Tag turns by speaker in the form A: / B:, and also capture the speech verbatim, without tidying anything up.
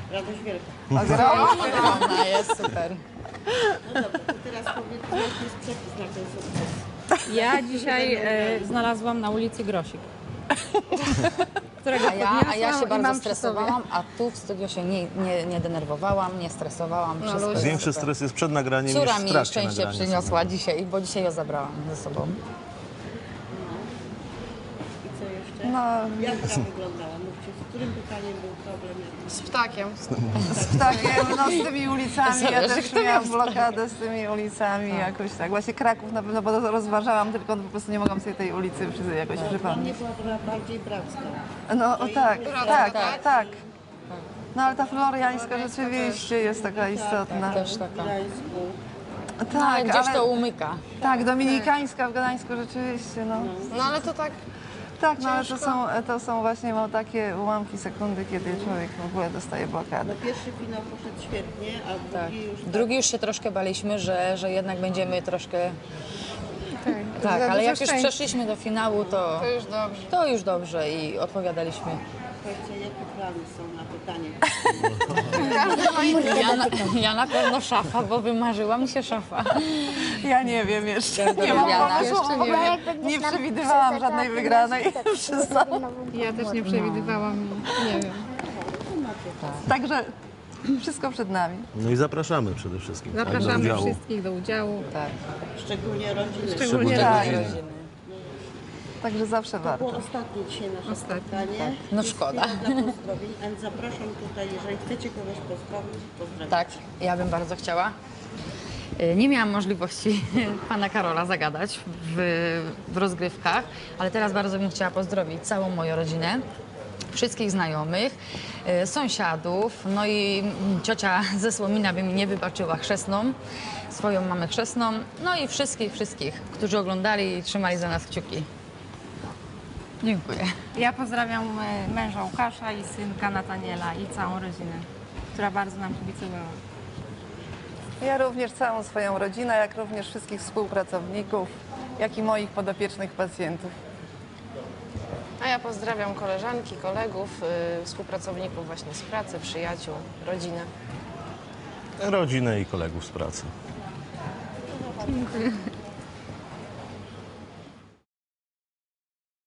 A: Radość wielka.
B: Ogromna jest, super.
A: No dobra, to teraz powiedz, jaki jest przepis na ten sukces.
C: Ja dzisiaj e, znalazłam na ulicy grosik, którego
B: A ja, a ja się
C: podniosłam i
B: bardzo
C: mam przy sobie.
B: stresowałam, a tu w studio się nie, nie, nie denerwowałam, nie stresowałam. Wszystko jest
D: Większy
B: super.
D: stres jest przed nagraniem
B: Córa
D: niż w
B: mi
D: trakcie
B: szczęście
D: nagrania.
B: przyniosła dzisiaj, bo dzisiaj ją zabrałam ze sobą.
A: I co jeszcze?
E: No,
A: Jak ta wyglądała? Mówcie, z którym pytaniem był problem?
F: Z ptakiem.
E: z ptakiem, no z tymi ulicami, ja
B: Zależy,
E: też
B: kto
E: miałam
B: miał
E: blokadę z tymi ulicami, jakoś tak. Właśnie Kraków na pewno, bo rozważałam, tylko po prostu nie mogłam sobie tej ulicy przy- jakoś
A: Dla
E: przypomnieć.
A: mnie była trochę bardziej bracka.
E: No o, tak, tak,
B: tak.
E: tak. No ale ta floriańska rzeczywiście jest taka istotna.
B: Też taka.
A: W Gdańsku.
B: Ale
E: Tak,
B: gdzieś to
E: ale,
B: umyka.
E: tak, dominikańska w Gdańsku rzeczywiście, no.
F: No ale to tak,
E: Tak, no ale to są, to są właśnie no, takie ułamki sekundy, kiedy człowiek w ogóle dostaje blokadę.
A: No pierwszy finał poszedł świetnie, a drugi
B: Tak.
A: już...
B: Drugi już się troszkę baliśmy, że, że jednak będziemy troszkę...
C: Tak,
B: Tak,
C: za
B: ale
C: dużo
B: jak już
C: szczęścia.
B: przeszliśmy do finału, to,
F: to już dobrze.
B: to już dobrze i odpowiadaliśmy.
A: Słuchajcie, jakie plany są na pytanie?
B: Ja na, ja na pewno szafa, bo wymarzyła mi się szafa.
E: Ja nie wiem jeszcze.
B: Bardzo
E: Nie mam
B: lubiana.
E: pomysłu, w ogóle nie przewidywałam żadnej wygranej.
C: Ja też nie przewidywałam, nie wiem.
E: Także wszystko przed nami.
D: No i zapraszamy przede wszystkim. tak, do
C: Zapraszamy
D: udziału.
C: wszystkich do udziału.
B: Tak.
A: Szczególnie rodziny.
C: Szczególnie
E: Tak.
D: rodziny.
E: Także zawsze
A: To było
E: warto.
A: ostatnie dzisiaj nasze
C: Ostatnie,
A: spotkanie.
B: No
A: Jest
B: szkoda.
A: chwila dla pozdrowień, a zapraszam tutaj, jeżeli chcecie kogoś pozdrowić, pozdrawiam.
B: Tak, ja bym bardzo chciała. Y, Nie miałam możliwości pana Karola zagadać w, w rozgrywkach, ale teraz bardzo bym chciała pozdrowić całą moją rodzinę, wszystkich znajomych, y, sąsiadów, no i mm, ciocia ze Słomina by mi nie wybaczyła, chrzestną, swoją mamę chrzestną, no i wszystkich, wszystkich, którzy oglądali i trzymali za nas kciuki. Dziękuję.
C: Ja pozdrawiam e, męża Łukasza i synka Nataniela i całą rodzinę, która bardzo nam kibicowała.
E: Ja również całą swoją rodzinę, jak również wszystkich współpracowników, jak i moich podopiecznych pacjentów.
F: A ja pozdrawiam koleżanki, kolegów, y, współpracowników właśnie z pracy, przyjaciół, rodzinę.
D: Rodzinę i kolegów z pracy.
C: Dziękuję.